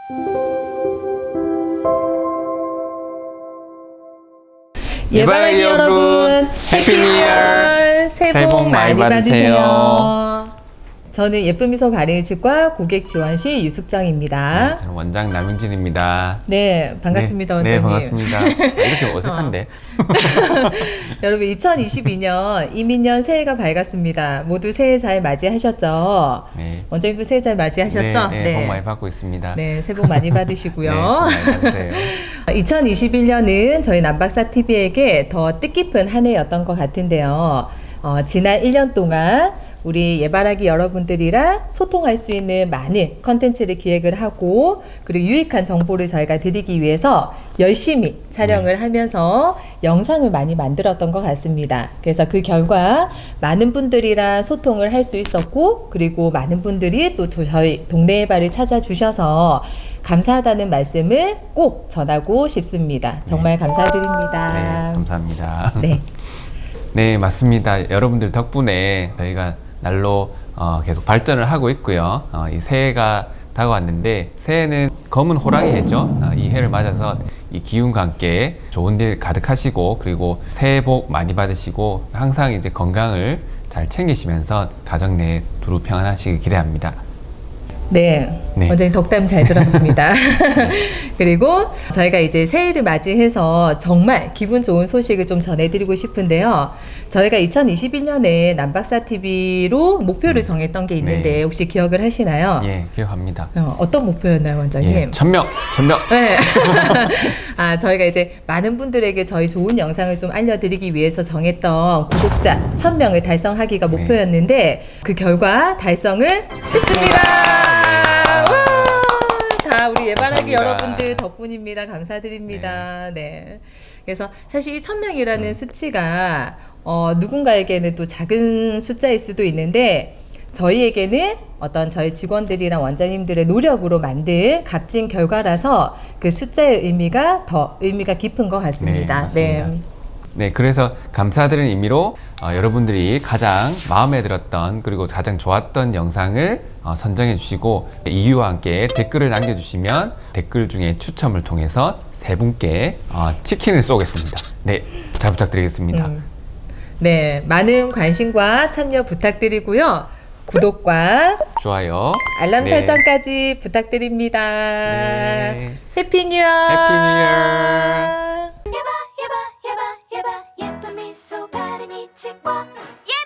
예바라기 여러분, 해피 뉴 이어! 새해 복 많이 받으세요. 저는 예쁨미소 발효일치과 고객 지원실 유숙정입니다. 네, 저는 원장 남윤진입니다. 네, 반갑습니다, 네, 원장님. 네, 반갑습니다. 이렇게 어색한데? 여러분, 2022년 이민년 새해가 밝았습니다. 모두 새해 잘 맞이하셨죠? 네. 원장님도 새해 잘 맞이하셨죠? 네, 복 많이 받고 있습니다. 네, 새해 복 많이 받으시고요. 네, 복 많이 받으세요. 2021년은 저희 남박사TV에게 더 뜻깊은 한 해였던 것 같은데요. 지난 1년 동안 우리 예바라기 여러분들이랑 소통할 수 있는 많은 컨텐츠를 기획을 하고 그리고 유익한 정보를 저희가 드리기 위해서 열심히 촬영을 하면서 영상을 많이 만들었던 것 같습니다. 그래서 그 결과 많은 분들이랑 소통을 할 수 있었고 그리고 많은 분들이 또 저희 동네 예바를 찾아주셔서 감사하다는 말씀을 꼭 전하고 싶습니다. 정말 감사드립니다. 네, 감사합니다. 네. 네, 맞습니다. 여러분들 덕분에 저희가 날로 계속 발전을 하고 있고요. 이 새해가 다가왔는데 새해는 검은 호랑이 해죠. 이 해를 맞아서 이 기운과 함께 좋은 일 가득하시고 그리고 새해 복 많이 받으시고 항상 이제 건강을 잘 챙기시면서 가정 내에 두루 평안하시길 기대합니다. 네, 네. 원장님 덕담 잘 들었습니다. 그리고 저희가 이제 새해를 맞이해서 정말 기분 좋은 소식을 좀 전해드리고 싶은데요. 저희가 2021년에 남박사TV로 목표를 정했던 게 있는데 네. 혹시 기억을 하시나요? 예, 기억합니다. 어떤 목표였나요, 원장님? 예, 1000명! 네. 저희가 이제 많은 분들에게 저희 좋은 영상을 좀 알려드리기 위해서 정했던 구독자 1000명을 달성하기가 목표였는데 그 결과 달성을 했습니다. 다 우리 예바라기 여러분들 덕분입니다. 감사드립니다. 네. 그래서 사실 이 1000명이라는 수치가 누군가에게는 또 작은 숫자일 수도 있는데 저희에게는 어떤 저희 직원들이랑 원장님들의 노력으로 만든 값진 결과라서 그 숫자의 의미가 더 의미가 깊은 것 같습니다. 네, 맞습니다. 네, 그래서 감사드리는 의미로 여러분들이 가장 마음에 들었던 그리고 가장 좋았던 영상을 선정해 주시고 이유와 함께 댓글을 남겨주시면 댓글 중에 추첨을 통해서 세 분께 치킨을 쏘겠습니다. 네, 잘 부탁드리겠습니다. 네, 많은 관심과 참여 부탁드리고요. 구독과 좋아요, 알람 네. 설정까지 부탁드립니다. 네. 해피 뉴 이어! 해피 뉴 이어! 예뻐 미소 바른 이 치과